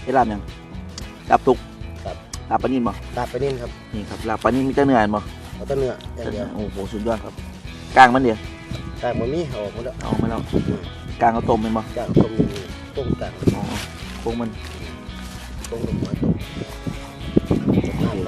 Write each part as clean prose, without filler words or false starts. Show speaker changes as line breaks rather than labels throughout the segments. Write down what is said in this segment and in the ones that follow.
ได้ลาบยังลาบทุก
ครับ
ลาบปลานิ่มบ่
ลาบไปนิ่มครับ
นี่ครับลาบปลานิ่มมีแต่เนื้อบ่
เอาแต่เนื้ออย่างเดียว
โอ้โหสุดยอดครับกลางมันเดียว
กากมันมีเอาออกหมดแล้ว
เอามาแล้วกลางเอาต้มเป็นบ่
กากต้มอยู่นี่ต้มกาก
อ๋อโค้งมัน
ต้มลงมาต้มน้ำครับ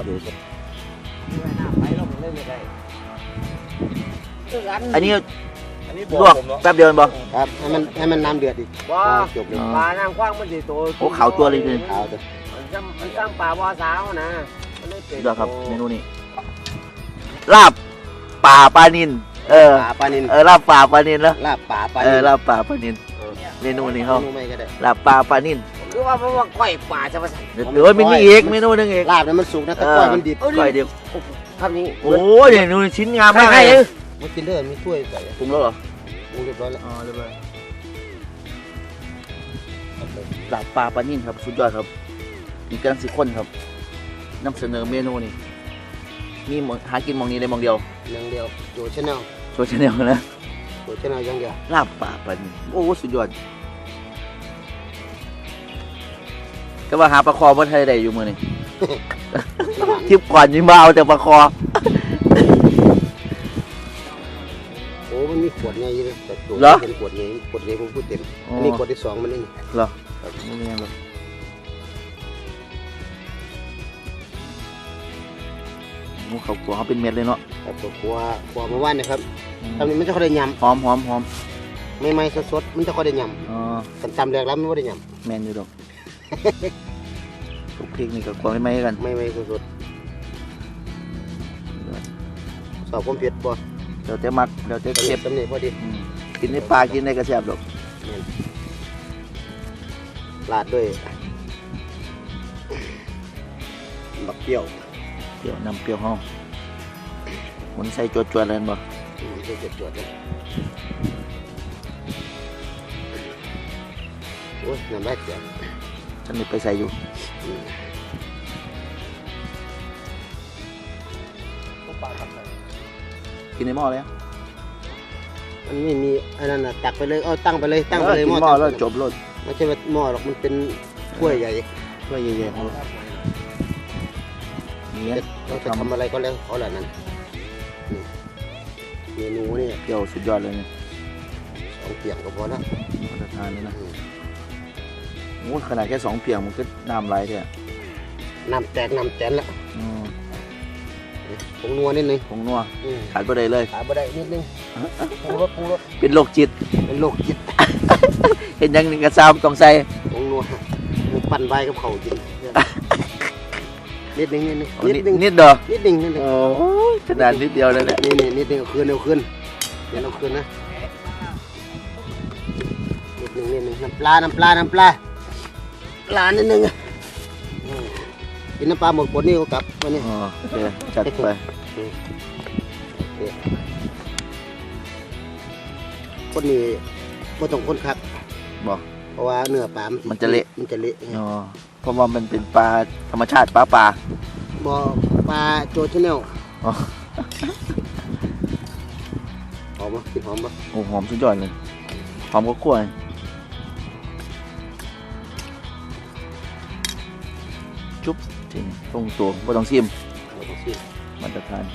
อันนี้
อันนี้
ลวกแป๊บเดียวบ่
ครับให้มันน้ำเดือดอีก
ว่า
จบเลย
ปลาน้ำกว้างมันสิโต
โอ้ขาวตัวเลยเลย
เอาตัว
มันสร้างปลาบ่อสาวนะมันได้เป็น
สุดยอดครับเมนูนี้ลาบป่าปลานิน
ปลาปลานิน
ลาบป่าปลานินแล้ว
ลาบป่าปลา
ลา
นิน
บป่าปลานินเมนูนี้เขา
เมนูไม่ก็ได้
ลาบป่าปลานิน
คือว่าเพราะว่าก้อยปลาจะมาใส่
เดี๋ยวมีอีกเมนูหนึงอีก
ลาบเนี่ยมันสุกนะแต่ก้อยมันดิบ
ก้อยเดียว
ทำนี้
โอ้ยเมนูชิ้นงามมาก
ให้
เลย
มันกินเด้อมีถ้วยใส่
ปรุงแล้วเหรอ
ปรุงเรียบร้อยแล้ว
อ๋อเรียบร้อยลาบป่าปลานินครับสุดยอดครับมีกำลังสิข้นครับนำเสนอเมนูนี้มีหากินหมองนี้ได้หมองเดียว
อย่างเดียวโจชแนล
โซเชียลแนลนะ
โจชแนลอย่างเดียว
ลาบป่าปลานินโอ้สุดยอดก็ว่าหาปลาคอมาไทยได้อยู่มือนี่ ทริปก่อนยิ่งมาเอาแต่ปลาคอ
โอ้มันมีขวดใหญ่เลยแต่ตัวเป็นขวดใหญ่ผมพูดเต็มอันนี้ขวดที่2มันนี่
เหรอไม่มีอะไรหรอกโอ้เขากลัวเขาเป็นเม็ดเลยเนาะ
ครับขวดเมื่อวานนะครับตอนนี้มันจะค่อยได้ย
หอมหอมหอม
ำไม่สดๆมันจะค่อยได้ย
อ๋อ
ำกันตำแรกแล้วมันไม่ได้ย
แมนอยู่ดอกทุกพริกนี่ก็กลัวไม่ไหมกัน
ำไม่สดๆสอบความเผ็ดบ่
เดี๋ยวจะมักเดี๋ยวจะ
เก็
เก็
บบ ตำหนิพอดี
กินในปลากินในกระแสบดอก
ลาดด้วยบักเปรี้ยว
เปรี้ยวนำเปรี้ยวห้องมันใส่จวดๆเลยบ่
จะจวดๆเลยโอ้ยน้ำลายเสีย
ฉันนี่ไปใส่อยู่กินในหม้อแล้ว
มันไม่มีอันนั้นน่ะตักไปเลยตั้งไปเลยตั้งไปเลย
กินหม้อแล้วจบรส
ไม่ใช่ว่าหม้อหรอกมันเป็นถ้วยใหญ่
ถ้วยใหญ่ๆครับเนี่ย
เราจะทำอะไรก็แล้วเขาแหละนั่นเมนูนี่
เปรี้ยวสุดยอดเลยเนี่ย
2เปียงก็พอแล้ว
มาตรฐานเลยนะโอ้ขนาดแค่2เปียงมันก็น้ำไหลแท้
น้ำแตกน้ำแตนแล้ว
อืม
ผงนัวนิดนึง
ผงนัวขาดบ่ได้เลย
ขาบ่ได้นิดนึงปรุงรส
เป็นโรคจิต
เป็นโรคจิต
เห็นอยังหนึ่งกระซามต้องใส่
ผงนัวมันปั่นใบกับเขากินนิดนึง
โอ้นิดเด้อ
นิดนึง
โอ้ยขนาดนิดเดียวเลยแหละ
นี่นิดนึงเอาคืนเดี๋ยวเอาคืนนะนิดนึงน้ำปลานิดนึงกินน้ำปลาหมดคนนี่ก็กลับวันนี้
อ๋อโอเคจัดไป
คนนี้ก็ต้องคนคัก
บอก
เพราะว่าเนื้อปลามันจะเละ
อ๋อเพราะว่ามันเป็นปลาธรรมชาติปลา
บ่ปลาโจชแนล
อ๋อ
หอมปะกินหอมปะ
โอ้หอมสุดยอดเลยหอมก็คั่วจุ๊บจริงตรงตัวไม่ต้องซิม
เราต้องชิม
มาตรฐาน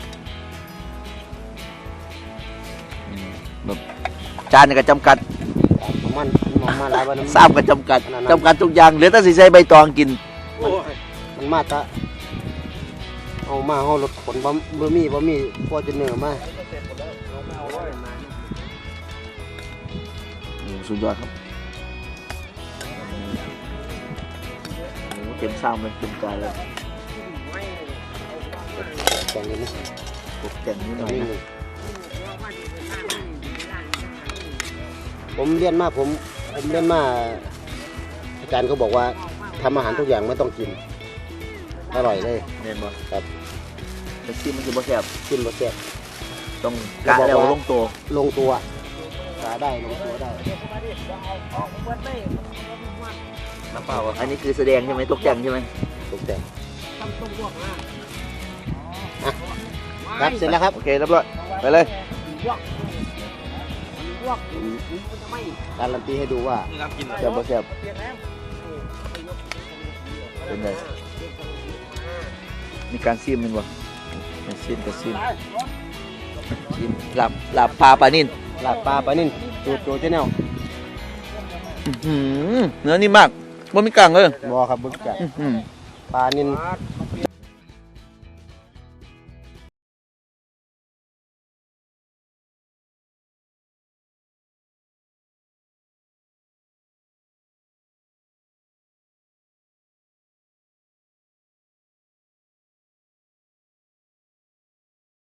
แบบจานนี่ก็จำกัด
มันหลายวัน
ทราบก็จำกัดทุกอย่างเหลือแต่สิใส่ใบตองกิน
มันมาตะเอามาเอารถขนบะหมี่พอจะเนื้อมา
สุดยอดครับเต็มซ้ำเลยเต็มจานเลย
แต่งนี้นะ
ตกแต่งนิดหน่อยนะ
ผมเรียนมาอาจารย์เขาบอกว่าทำอาหารทุกอย่างไม่ต้องกินอร่อยเลย
เห็นบ่
ครับ
แต่ซิมมันคือบ่แซ่บ
กินรสแซ่บ
ต้องกะแล้วลงตัว
ลงตัวกาได้ลงตัวได้
น้ำเปล่าอันนี้คือแสดงใช่ไหมตกแต่งใช่ไหม
ตกแต่งครับเสร็จแล้วครับ
โอเคเรียบร้อยไปเลย
การันตีให้ดูว่า
แซ่บบ่แซ่บเป็นไงมีการซีมมันบ่ซีมกับซีมซีมหลับปลาปลานิ่น
ลาบปลาปลานิ่นจูดเจ้าแนว
เนื้อนิ่มมากบ่มีกลางเลย
บ่ครับบึกจัด
อื้อหือ
ปลานิ่น